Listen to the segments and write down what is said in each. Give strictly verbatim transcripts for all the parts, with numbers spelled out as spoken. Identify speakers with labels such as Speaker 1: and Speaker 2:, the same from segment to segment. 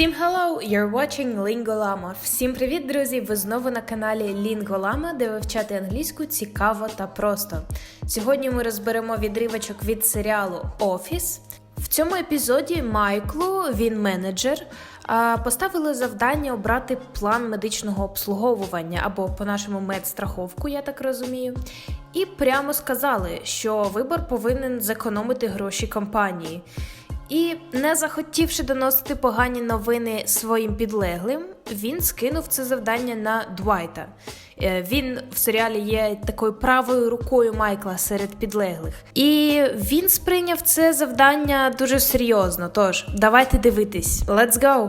Speaker 1: Всім hello! You're watching Lingolama. Всім привіт, друзі! Ви знову на каналі Lingolama, де вивчати англійську цікаво та просто. Сьогодні ми розберемо відривочок від серіалу «Офіс». В цьому епізоді Майклу, він менеджер, поставили завдання обрати план медичного обслуговування, або по-нашому медстраховку, я так розумію. І прямо сказали, що вибор повинен зекономити гроші компанії. І, не захотівши доносити погані новини своїм підлеглим, він скинув це завдання на Двайта. Він в серіалі є такою правою рукою Майкла серед підлеглих. І він сприйняв це завдання дуже серйозно, тож давайте дивитись. Let's go!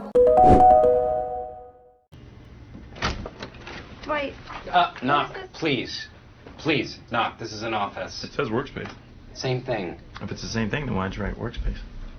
Speaker 2: Dwight.
Speaker 3: Uh, knock, please. Please, knock. This is an office.
Speaker 4: It says workspace.
Speaker 3: Same thing.
Speaker 4: If it's the same thing, then why'd you write workspace?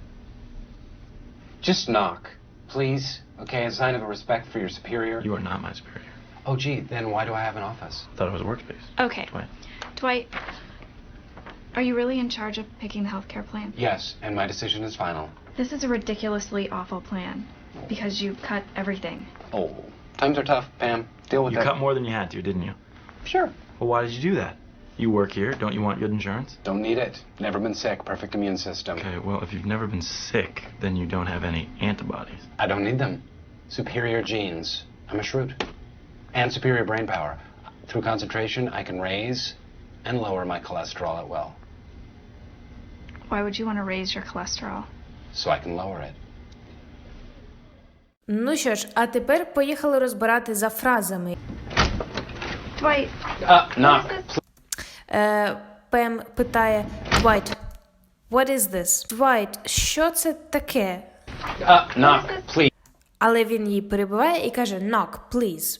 Speaker 3: Just knock, please. Okay, a sign of a respect for your superior.
Speaker 4: You are not my superior.
Speaker 3: Oh, gee, then why do I have an office?
Speaker 4: I thought it was a workspace.
Speaker 2: Okay.
Speaker 4: Dwight.
Speaker 2: Dwight, are you really in charge of picking the healthcare plan?
Speaker 3: Yes, and my decision is final.
Speaker 2: This is a ridiculously awful plan because you cut everything.
Speaker 3: Oh, times are tough, Pam. Deal with
Speaker 4: You
Speaker 3: that.
Speaker 4: cut more than you had to, didn't you?
Speaker 3: Sure.
Speaker 4: Well, why did you do that? You work here. Don't you want good insurance?
Speaker 3: Don't need it. Never been sick. Perfect immune system.
Speaker 4: Okay, well, if you've never been sick, then you don't have any antibodies.
Speaker 3: I don't need them. Superior genes. I'm a shrew. And superior brain power. Through concentration, I can raise and lower my cholesterol at will.
Speaker 2: Why would you want to raise your cholesterol?
Speaker 3: So I can lower it.
Speaker 1: Ну що ж, а тепер поїхали розбирати за фразами.
Speaker 2: Dwight.
Speaker 3: Uh, knock.
Speaker 1: Е, Пем питає Двайт, what is this? Двайт, що це таке?
Speaker 3: Uh, knock, please.
Speaker 1: Але він її перебиває і каже knock, please.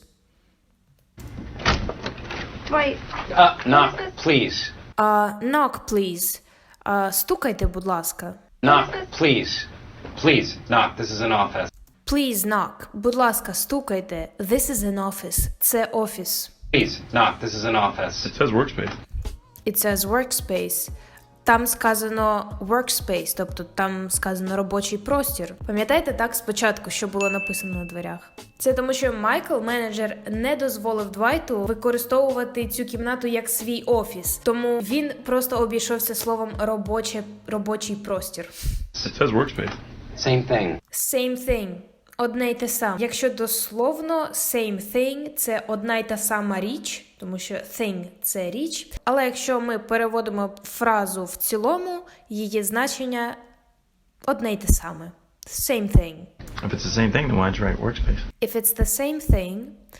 Speaker 2: Dwight.
Speaker 3: Uh, knock, please.
Speaker 1: А, knock, please. А, стукайте, будь ласка.
Speaker 3: Knock, please. Please, knock. This is an office.
Speaker 1: Please knock. Будь ласка, стукайте. This is an office. Це офіс.
Speaker 3: Please, knock. This is an office.
Speaker 4: It says workspace.
Speaker 1: It says workspace. Там сказано workspace, тобто там сказано робочий простір. Пам'ятаєте так спочатку, що було написано на дверях? Це тому, що Майкл, менеджер, не дозволив Двайту використовувати цю кімнату як свій офіс. Тому він просто обійшовся словом робоче, робочий простір.
Speaker 4: It says workspace.
Speaker 3: Same thing.
Speaker 1: Same thing. Одне й те саме. Якщо дословно, same thing – це одна й та сама річ, тому що thing – це річ. Але якщо ми переводимо фразу в цілому, її значення одне й те саме. Same thing.
Speaker 4: If it's the same thing, then why'd you write workspace?
Speaker 1: If it's the same thing,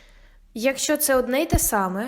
Speaker 1: якщо це одне й те саме,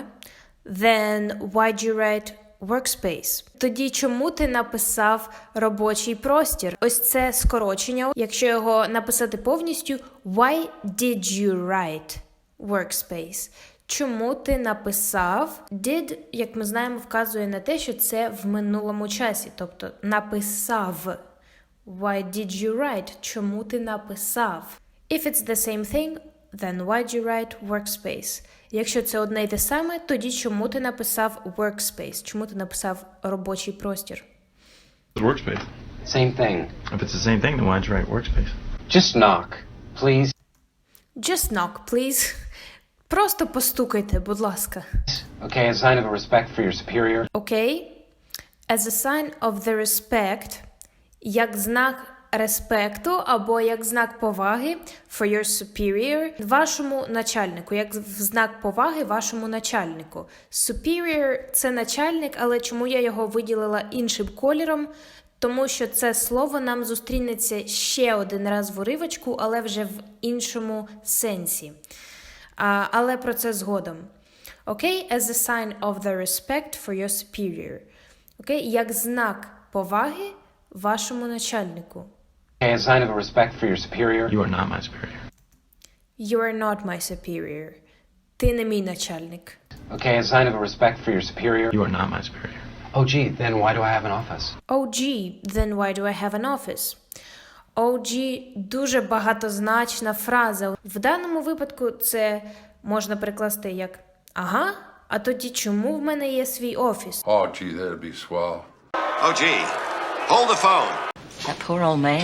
Speaker 1: then why'd you write workspace? Тоді чому ти написав робочий простір? Ось це скорочення. Якщо його написати повністю, why did you write workspace? Чому ти написав? Did, як ми знаємо, вказує на те, що це в минулому часі. Тобто написав. Why did you write? Чому ти написав? If it's the same thing, then why did you write workspace? Якщо це одне й те саме, тоді чому ти написав workspace? Чому ти написав робочий простір?
Speaker 4: It says workspace.
Speaker 3: Same thing.
Speaker 4: If it's the same thing, then why'd you write workspace?
Speaker 3: Just knock, please.
Speaker 1: Just knock, please. Просто постукайте, будь ласка.
Speaker 3: Okay, a sign of a respect for your superior.
Speaker 1: Окей? As a sign of the respect, як знак респекту або як знак поваги for your superior, вашому начальнику, як в знак поваги вашому начальнику. Superior – це начальник, але чому я його виділила іншим кольором? Тому що це слово нам зустрінеться ще один раз в уривочку, але вже в іншому сенсі. А, але про це згодом. Окей? As a sign of the respect for your superior. Окей? Як знак поваги вашому начальнику.
Speaker 3: Okay, a sign of a respect for your superior.
Speaker 4: You are not my superior.
Speaker 1: You are not my superior. Ти не мій начальник.
Speaker 3: Okay, a sign of a respect for your superior.
Speaker 4: You are not my superior.
Speaker 3: Oh, gee, then why do I have an office?
Speaker 1: Oh, gee, then why do I have an office? Oh, gee – дуже багатозначна фраза. В даному випадку це можна перекласти як «Ага, а тоді чому в мене є свій офіс?»
Speaker 5: Oh, gee, that'd be swell.
Speaker 6: Oh, gee. Hold the phone.
Speaker 7: That poor old man.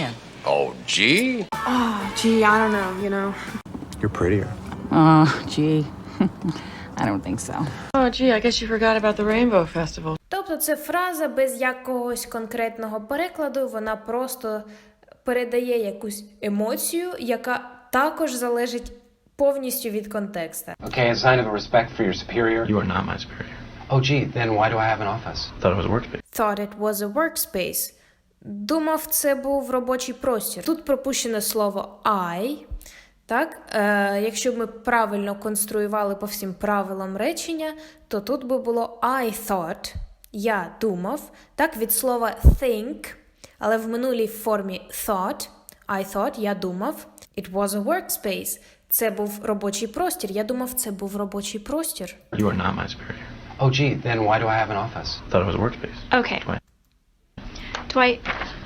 Speaker 5: Oh, gee.
Speaker 6: Oh, gee, I don't know, you know.
Speaker 7: You're prettier.
Speaker 8: Oh, gee. I don't think so.
Speaker 9: Oh, gee, I guess you forgot about the Rainbow Festival.
Speaker 1: Тобто це фраза без якогось конкретного перекладу, вона просто передає якусь емоцію, яка також залежить повністю від контексту.
Speaker 3: Okay, a sign of respect for your superior.
Speaker 4: You are not my superior.
Speaker 3: Oh, gee, then why do I have an office?
Speaker 4: Thought it was a workspace.
Speaker 1: Thought it was a workspace. Думав, це був робочий простір. Тут пропущено слово I. Так? Е, якщо б ми правильно конструювали по всім правилам речення, то тут би було I thought, я думав, так, від слова think, але в минулій формі thought, I thought, я думав, it was a workspace. Це був робочий простір. Я думав, це був робочий простір.
Speaker 4: You are not my superior.
Speaker 3: Oh, gee, then why do I have an office?
Speaker 4: Thought it was a workspace.
Speaker 2: Okay.
Speaker 4: Dwight.
Speaker 2: Dwight,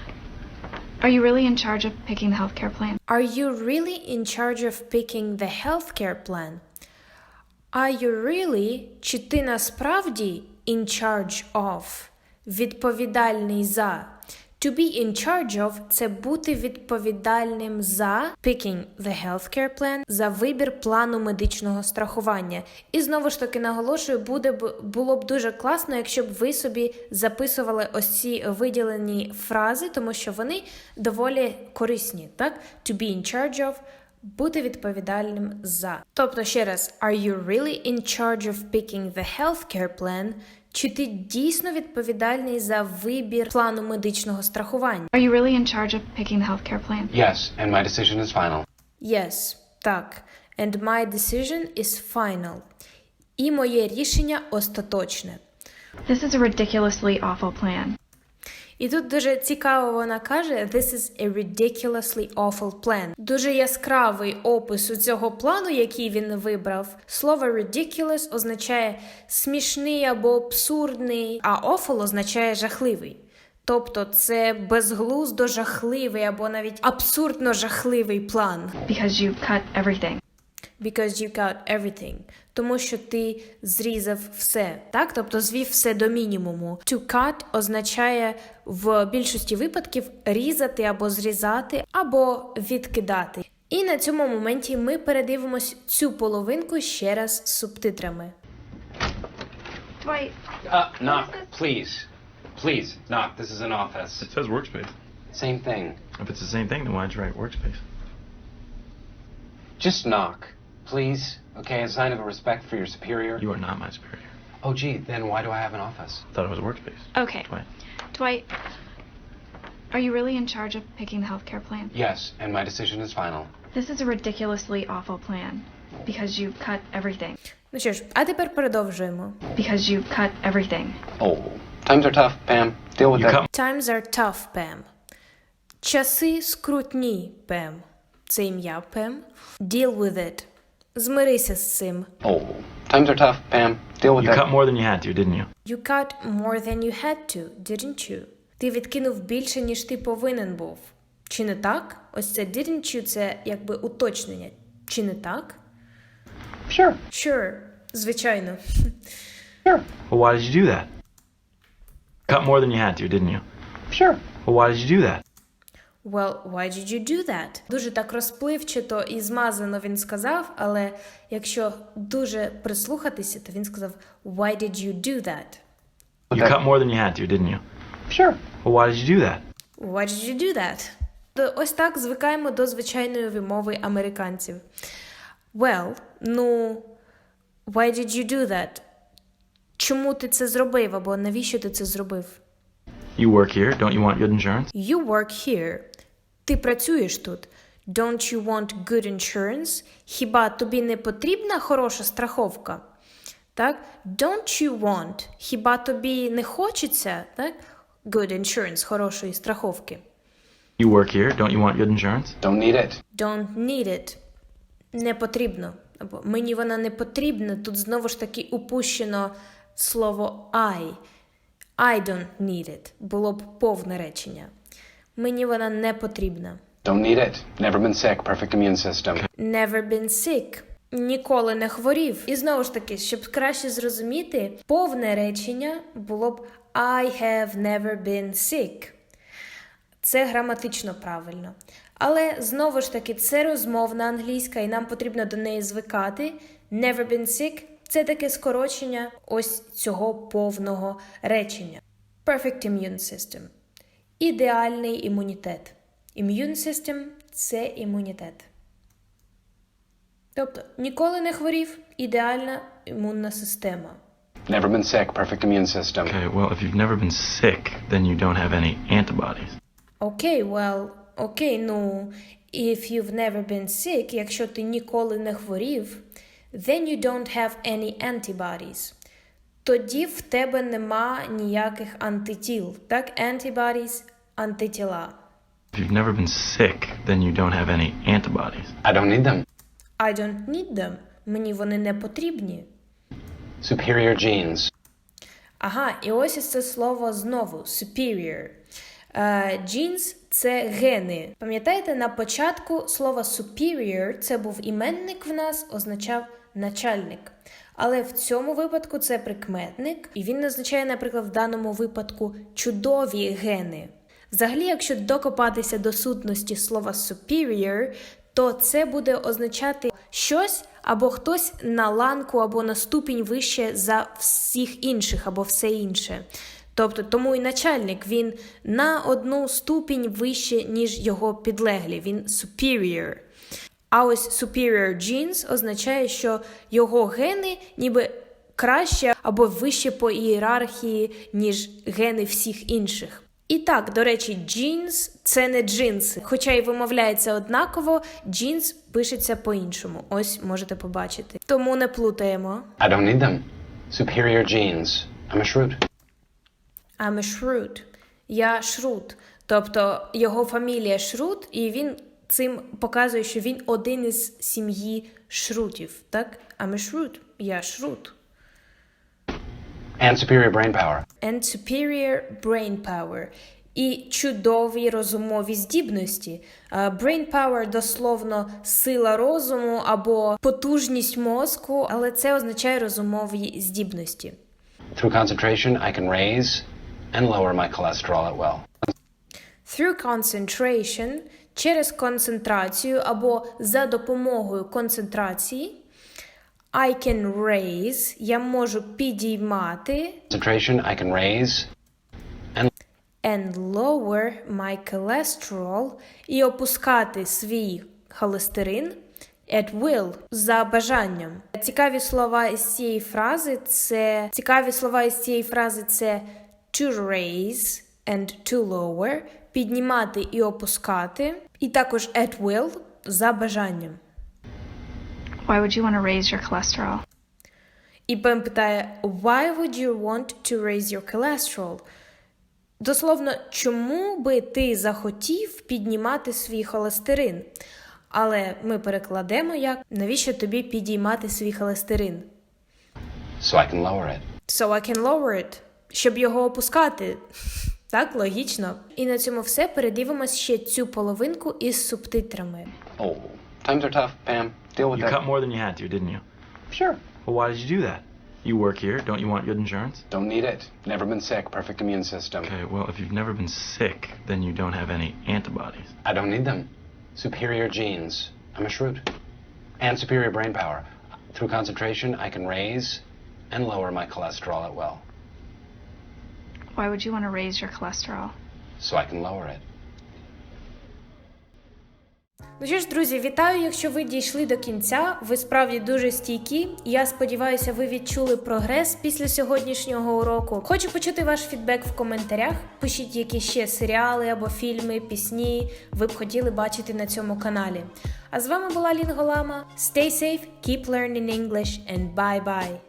Speaker 2: are you really in charge of picking the healthcare plan?
Speaker 1: Are you really in charge of picking the healthcare plan? Are you really, чи ти насправді in charge of, відповідальний за? To be in charge of – це бути відповідальним за picking the healthcare plan, за вибір плану медичного страхування. І знову ж таки наголошую, буде б, було б дуже класно, якщо б ви собі записували ось ці виділені фрази, тому що вони доволі корисні, так? To be in charge of – бути відповідальним за. Тобто, ще раз, are you really in charge of picking the healthcare plan? Чи ти дійсно відповідальний за вибір плану медичного страхування?
Speaker 2: Are you really in charge of picking the healthcare plan?
Speaker 3: Yes, and my decision is final.
Speaker 1: Yes, так. And my decision is final. І моє рішення остаточне.
Speaker 2: This is a ridiculously awful plan.
Speaker 1: І тут дуже цікаво вона каже «This is a ridiculously awful plan». Дуже яскравий опис у цього плану, який він вибрав. Слово ridiculous означає смішний або абсурдний, а awful означає жахливий. Тобто це безглуздо жахливий або навіть абсурдно жахливий план.
Speaker 2: Because you cut everything.
Speaker 1: Because you cut everything. Тому що ти зрізав все, так? Тобто звів все до мінімуму. To cut означає в більшості випадків різати або зрізати, або відкидати. І на цьому моменті ми передивимось цю половинку ще раз з субтитрами.
Speaker 2: Dwight,
Speaker 3: Uh, knock, please. Please, knock. This is an office.
Speaker 4: It says workspace.
Speaker 3: Same thing.
Speaker 4: If it's the same thing, then why'd you write workspace?
Speaker 3: Just knock, please. Okay, a sign of respect for your superior.
Speaker 4: You are not my superior.
Speaker 3: Oh, gee, then why do I have an office?
Speaker 4: Thought it was a workspace.
Speaker 2: okay.
Speaker 4: Dwight.
Speaker 2: Dwight, are you really in charge of picking the healthcare plan?
Speaker 3: Yes, and my decision is final.
Speaker 2: This is a ridiculously awful plan. Because you cut everything.
Speaker 1: Ну що ж, а тепер продовжуємо.
Speaker 2: Because you cut everything.
Speaker 3: Oh, times are tough, Pam. Deal with
Speaker 4: You
Speaker 3: that.
Speaker 4: cut
Speaker 1: Times are tough, Pam. Часи скрутні, Пем. Це ім'я Пем. Deal with it. Змирися з цим.
Speaker 3: Oh, times are tough, Pam. Deal with
Speaker 4: You
Speaker 3: that.
Speaker 4: cut more than you had to, didn't you?
Speaker 1: You cut more than you had to, didn't you? Ти відкинув більше, ніж ти повинен був. Чи не так? Ось це didn't you – це якби уточнення. Чи не так?
Speaker 3: Sure,
Speaker 1: Sure. Звичайно.
Speaker 3: sure,
Speaker 4: Well, why did you do that? Cut more than you had to, didn't you?
Speaker 3: sure.
Speaker 4: Well, why did you do that?
Speaker 1: Well, why did you do that? Дуже так розпливчато і змазано він сказав, але якщо дуже прислухатися, то він сказав Why did you do that?
Speaker 4: You cut more than you had to, didn't you?
Speaker 3: Sure.
Speaker 4: Well, why did you do that?
Speaker 1: Why did you do that? То ось так звикаємо до звичайної вимови американців. Well, ну, why did you do that? Чому ти це зробив, або навіщо ти це зробив?
Speaker 4: You work here. Don't you want good insurance?
Speaker 1: You work here. Ти працюєш тут. Don't you want good insurance? Хіба тобі не потрібна хороша страховка? Так? Don't you want? Хіба тобі не хочеться, так? Good insurance, хорошої страховки.
Speaker 4: You work here. Don't you want good insurance?
Speaker 3: Don't need it.
Speaker 1: Don't need it. Не потрібно. Або мені вона не потрібна. Тут знову ж таки упущено слово I. I don't need it. Було б повне речення. Мені вона не потрібна.
Speaker 3: Don't need it. Never been sick. Perfect immune system.
Speaker 1: Never been sick. Ніколи не хворів. І знову ж таки, щоб краще зрозуміти, повне речення було б I have never been sick. Це граматично правильно. Але, знову ж таки, це розмовна англійська, і нам потрібно до неї звикати. Never been sick – це таке скорочення ось цього повного речення. Perfect immune system. Ідеальний імунітет. Immune system – це імунітет. Тобто, ніколи не хворів – ідеальна імунна система.
Speaker 3: Never been sick, perfect immune system.
Speaker 4: Okay, well, if you've never been sick, then you don't have any antibodies.
Speaker 1: Окей, okay, well, окей, okay, ну, if you've never been sick, якщо ти ніколи не хворів, then you don't have any antibodies. Тоді в тебе нема ніяких антитіл. Так, antibodies – антитіла.
Speaker 4: If you've never been sick, then you don't have any antibodies.
Speaker 3: I don't need them.
Speaker 1: I don't need them. Мені вони не потрібні.
Speaker 3: Superior genes.
Speaker 1: Ага, і ось із це слово знову. Superior. Uh, genes – це гени. Пам'ятаєте, на початку слово superior – це був іменник в нас, означав начальник. Але в цьому випадку це прикметник, і він означає, наприклад, в даному випадку чудові гени. Взагалі, якщо докопатися до сутності слова superior, то це буде означати щось або хтось на ланку або на ступінь вище за всіх інших або все інше. Тобто, тому і начальник, він на одну ступінь вище, ніж його підлеглі, він superior. А ось superior genes означає, що його гени ніби краще або вище по ієрархії, ніж гени всіх інших. І так, до речі, jeans – це не джинси. Хоча і вимовляється однаково, jeans пишеться по-іншому. Ось, можете побачити. Тому не плутаємо.
Speaker 3: I don't need them. Superior genes. I'm a shrew.
Speaker 1: I'm a shrewd. Я шрут. Тобто, його фамілія Шрут, і він цим показує, що він один із сім'ї шрутів. Так? I'm a shrewd. Я шрут.
Speaker 3: And superior brain power.
Speaker 1: And superior brain power. І чудові розумові здібності. Uh, brain power дословно сила розуму або потужність мозку, але це означає розумові здібності.
Speaker 3: Through concentration, I can raise and lower my cholesterol at will.
Speaker 1: Through concentration, через концентрацію або за допомогою концентрації, I can raise, я можу підіймати
Speaker 3: Concentration, I can raise and
Speaker 1: and lower my cholesterol і опускати свій холестерин at will, за бажанням. Цікаві слова із цієї фрази це цікаві слова із цієї фрази це to raise and to lower, піднімати і опускати, і також at will, за бажанням.
Speaker 2: Why would you want to raise your cholesterol?
Speaker 1: І Пем питає, why would you want to raise your cholesterol? Дословно, чому би ти захотів піднімати свій холестерин? Але ми перекладемо як, навіщо тобі підіймати свій холестерин?
Speaker 3: so I can lower it.
Speaker 1: So I can lower it. Щоб його опускати. Так, логічно. І на цьому все. Передивимось ще цю половинку із субтитрами.
Speaker 3: Oh, times are tough, Pam. Deal with
Speaker 4: You
Speaker 3: that.
Speaker 4: cut more than you had to, didn't you?
Speaker 3: Sure.
Speaker 4: Well, why did you do that? You work here. Don't you want good insurance?
Speaker 3: Don't need it. Never been sick. Perfect immune system.
Speaker 4: Okay, well, if you've never been sick, then you don't have any antibodies.
Speaker 3: I don't need them. Superior genes. I'm a shrew. And superior brain power. Through concentration, I can raise and lower my cholesterol at will.
Speaker 2: Why would you want to raise your cholesterol?
Speaker 3: So I can lower it.
Speaker 1: Ну що ж, друзі, вітаю, якщо ви дійшли до кінця, ви справді дуже стійкі. Я сподіваюся, ви відчули прогрес після сьогоднішнього уроку. Хочу почути ваш фідбек в коментарях. Пишіть, які ще серіали або фільми, пісні ви б хотіли бачити на цьому каналі. А з вами була Лінголама. Stay safe, keep learning English and bye-bye!